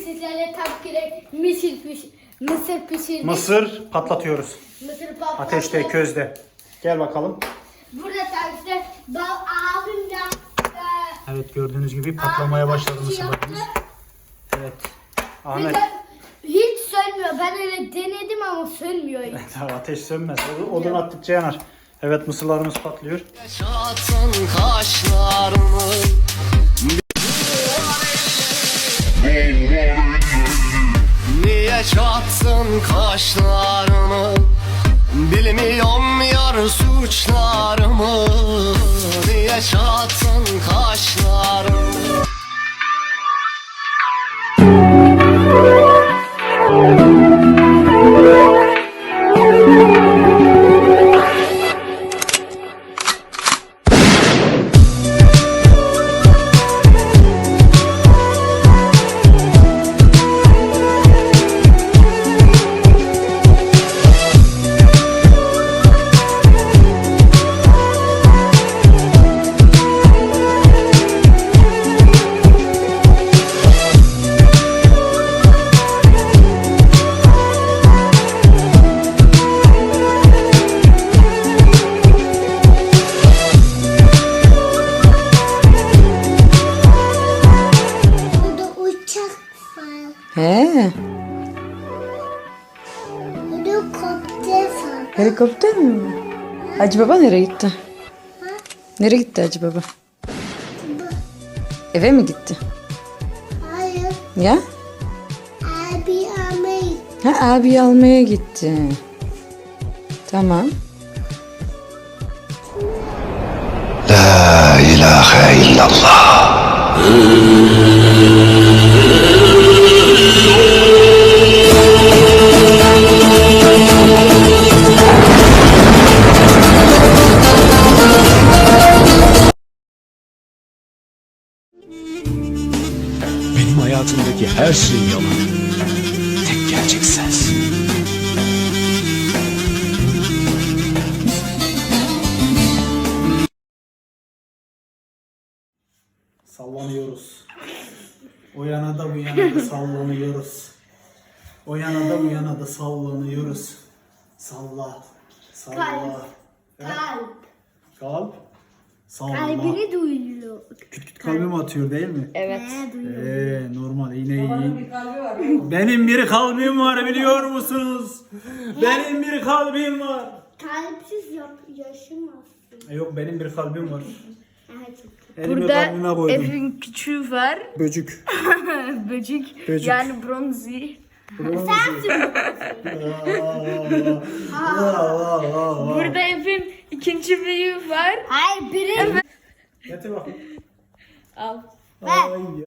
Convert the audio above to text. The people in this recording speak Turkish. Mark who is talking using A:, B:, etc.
A: sizlerle tabii ki de mısır pişirdik.
B: Mısır patlatıyoruz.
A: Mısır patlattık.
B: Ateşte, közde. Gel bakalım.
A: Burada tabii ki de abim de
B: Evet, gördüğünüz gibi patlamaya başladı mısırlarımız. Evet. Ahmet.
A: hiç sönmüyor. Ben öyle denedim ama sönmüyor hiç.
B: Ateş sönmez. Odun attıkça yanar. Evet, mısırlarımız patlıyor.
C: Yaşatın kaşlarımı. Niye çattın kaşlarımı? Bilmiyorum yar suçlarımı. Niye çattın kaşlarımı?
A: Burada uçak var.
D: He,
A: Helikopter var.
D: helikopter mi? Hacı Baba nereye gitti? Nereye gitti Hacı Baba? Eve mi gitti?
A: Hayır.
D: Ya?
A: Abi amey.
D: Ha, abi almaya gitti. Tamam.
C: La ilahe illallah.
E: Benim hayatımdaki her şey yalan. Tek gerçek sensin.
B: Sallanıyoruz. O yana da bu yana da sallanıyoruz. O yana da bu yana da sallanıyoruz. Salla. Salla.
A: Kalp.
B: He?
A: Kalp.
B: Kalp. Salla.
A: Kalbini duyuyor.
B: Küt küt kalbim atıyor değil mi?
D: Evet.
A: Duyuyor.
B: Normal yine iyi. Benim bir kalbim var biliyor musunuz? Benim bir kalbim var.
A: Kalpsiz yaşamazsın.
B: Yok, benim bir kalbim var.
A: Evet.
B: Elimi
D: Burada
B: kalbime koydum.
D: evin küçüğü var.
B: Böcük.
D: Böcek.
B: Böcek.
D: Yani bronzi. Burada evin ikinci büyüğü var.
A: Hayır biri.
B: Getir bakayım.
D: Al.
B: Ay.